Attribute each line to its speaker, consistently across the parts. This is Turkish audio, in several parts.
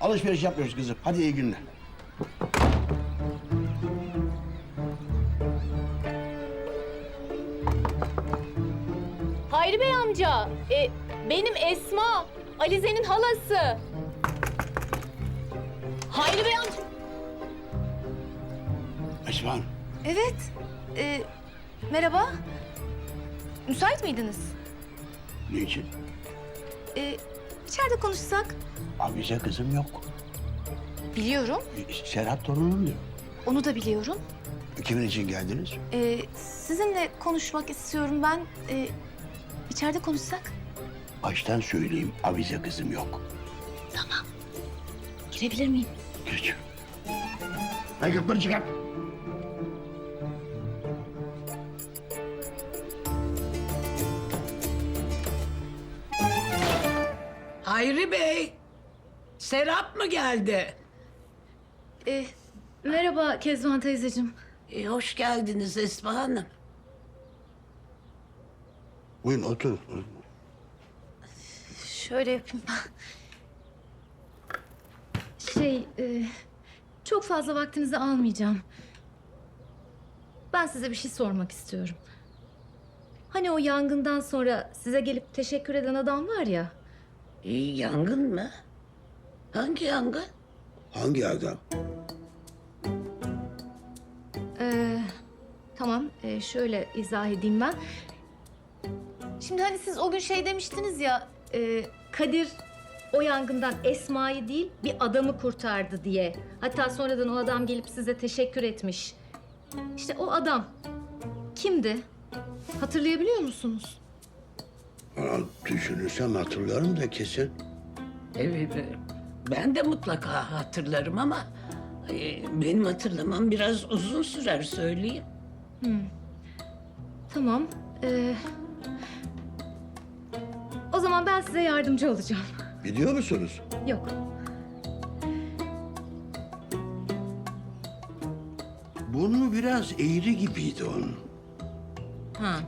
Speaker 1: Alışveriş yapmıyoruz kızım. Hadi iyi günler.
Speaker 2: Hayri Bey amca, benim Esma, Alize'nin halası. Hayri Bey amca.
Speaker 1: Esma Hanım.
Speaker 3: Evet. Merhaba. Müsait miydiniz?
Speaker 1: Niçin?
Speaker 3: İçeride konuşsak.
Speaker 1: Abize kızım yok.
Speaker 3: Biliyorum.
Speaker 1: Serhat torunum diyor.
Speaker 3: Onu da biliyorum.
Speaker 1: Kimin için geldiniz?
Speaker 3: Sizinle konuşmak istiyorum ben. İçeride konuşsak.
Speaker 1: Baştan söyleyeyim, abize kızım yok.
Speaker 3: Girebilir miyim?
Speaker 1: Geç. Ayakkabıları çıkar.
Speaker 4: Hayri Bey, Serap mı geldi?
Speaker 3: Merhaba Kezban teyzeciğim.
Speaker 4: Hoş geldiniz Esma Hanım.
Speaker 1: Buyurun otur.
Speaker 3: Şöyle yapayım. Çok fazla vaktinizi almayacağım. Ben size bir şey sormak istiyorum. Hani o yangından sonra size gelip teşekkür eden adam var ya.
Speaker 4: Yangın mı? Hangi yangın?
Speaker 1: Hangi adam?
Speaker 3: Tamam, şöyle izah edeyim ben. Şimdi hani siz o gün şey demiştiniz ya, Kadir o yangından Esma'yı değil bir adamı kurtardı diye. Hatta sonradan o adam gelip size teşekkür etmiş. İşte o adam kimdi? Hatırlayabiliyor musunuz?
Speaker 1: Düşünürsem hatırlarım da kesin.
Speaker 4: Ben de mutlaka hatırlarım ama benim hatırlamam biraz uzun sürer söyleyeyim.
Speaker 3: Tamam. O zaman ben size yardımcı olacağım.
Speaker 1: Biliyor musunuz?
Speaker 3: Yok.
Speaker 1: Burnu biraz eğri gibiydi onun.
Speaker 3: Ha.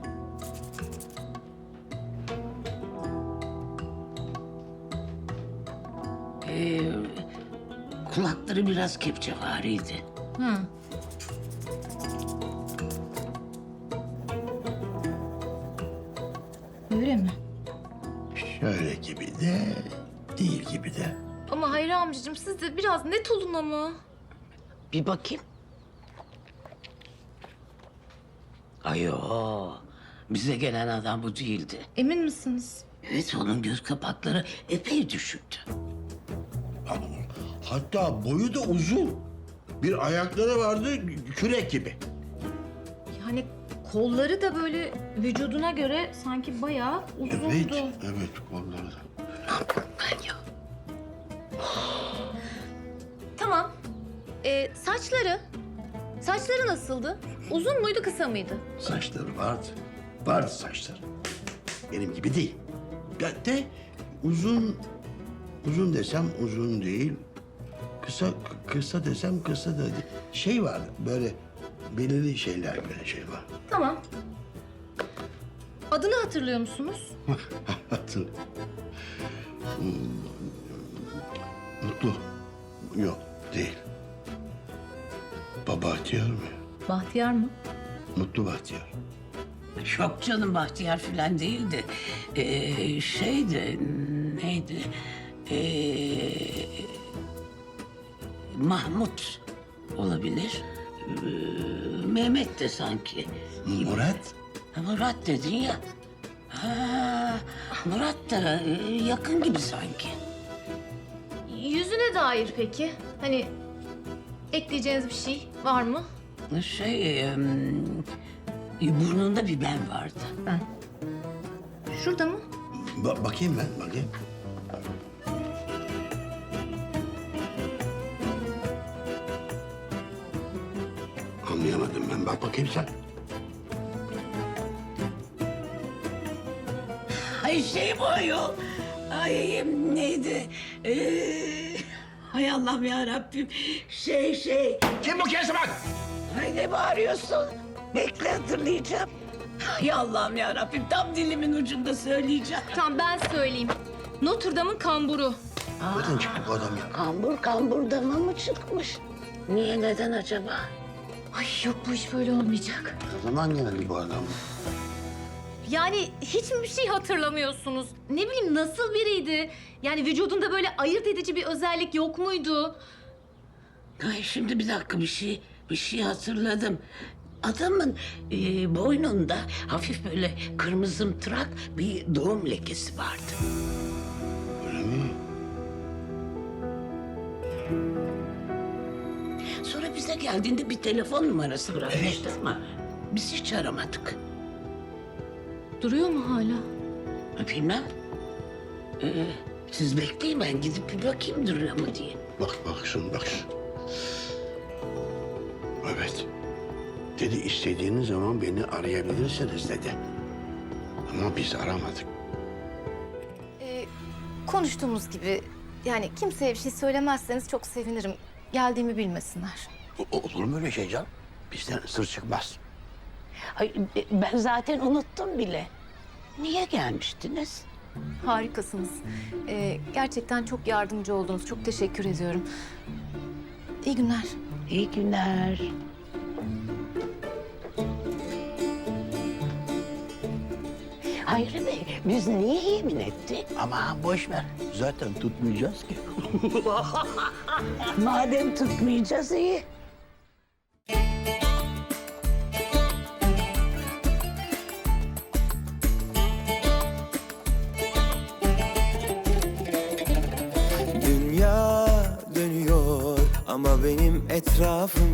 Speaker 4: Kulakları biraz kepçevariydi.
Speaker 3: Ha. Öyle mi?
Speaker 1: Şöyle gibi de, değil gibi de.
Speaker 3: Ama Hayri amcacığım siz de biraz net olun ama.
Speaker 4: Bir bakayım. Ayo, bize gelen adam bu değildi.
Speaker 3: Emin misiniz?
Speaker 4: Evet, onun göz kapakları epey düşüktü.
Speaker 1: Hatta boyu da uzun. Bir ayakları vardı kürek gibi.
Speaker 3: Yani kolları da böyle vücuduna göre sanki bayağı uzundu.
Speaker 1: Evet onları da.
Speaker 4: Ben ya.
Speaker 3: Tamam. Saçları nasıldı? Uzun muydu, kısa mıydı?
Speaker 1: Saçları vardı. Vardı saçları. Benim gibi değil. De uzun desem uzun değil. Kısa desem kısa da değil. Şey var böyle belirli şeyler böyle şey var.
Speaker 3: Tamam. Adını hatırlıyor musunuz?
Speaker 1: Hatır. Mutlu. Yok değil. Bahtiyar mı?
Speaker 3: Bahtiyar mı?
Speaker 1: Mutlu Bahtiyar.
Speaker 4: Yok canım, Bahtiyar falan değildi. Şeydi, neydi? Mahmut olabilir. Mehmet de sanki.
Speaker 1: Murat?
Speaker 4: Ha, Murat dedin ya. Ha, Murat da yakın gibi sanki.
Speaker 3: Yüzüne dair peki? Hani ekleyeceğiniz bir şey var mı?
Speaker 4: Burnunda bir ben vardı.
Speaker 3: Ben. Şurada mı?
Speaker 1: Bakayım ben, bakayım. Anlayamadım ben. Bak bakayım sen.
Speaker 4: Ay bu ayol. Ay neydi? Hay Allah'ım ya Rabbim.
Speaker 1: Kim bu Kezban?
Speaker 4: Ay ne bağırıyorsun? Bekle, hatırlayacağım. Hay Allah'ım ya Rabbim, tam dilimin ucunda söyleyeceğim.
Speaker 3: Tamam ben söyleyeyim. Notre Dame'ın kamburu.
Speaker 1: Nereden çıktı bu adam ya?
Speaker 4: Kamburdan mı çıkmış? Niye, neden acaba?
Speaker 3: Ay yok bu iş böyle olmayacak.
Speaker 1: Ne zaman geldi bu adam?
Speaker 3: Yani hiç mi bir şey hatırlamıyorsunuz? Ne bileyim nasıl biriydi? Yani vücudunda böyle ayırt edici bir özellik yok muydu?
Speaker 4: Ay şimdi bir dakika, bir şey hatırladım. Adamın boynunda hafif böyle kırmızımtırak bir doğum lekesi vardı.
Speaker 1: Öyle mi?
Speaker 4: Sonra bize geldiğinde bir telefon numarası bırakmıştı ama biz hiç aramadık.
Speaker 3: Duruyor mu hala?
Speaker 4: Bilmem. Siz bekleyin, ben gidip bir bakayım duruyor mu diye.
Speaker 1: Bak şunu. Evet. Dedi istediğiniz zaman beni arayabilirsiniz dedi. Ama biz aramadık.
Speaker 3: Konuştuğumuz gibi yani kimseye bir şey söylemezseniz çok sevinirim. Geldiğimi bilmesinler.
Speaker 1: Olur mu öyle şey canım? Bizden sır çıkmaz.
Speaker 4: Ay, ben zaten unuttum bile. Niye gelmiştiniz?
Speaker 3: Harikasınız. Gerçekten çok yardımcı oldunuz. Çok teşekkür ediyorum. İyi günler.
Speaker 4: İyi günler. Hayri Bey, biz niye yemin ettik?
Speaker 1: Ama boş ver. Zaten tutmayacağız ki.
Speaker 4: Madem tutmayacağız, iyi.
Speaker 5: Dünya dönüyor ama benim etrafım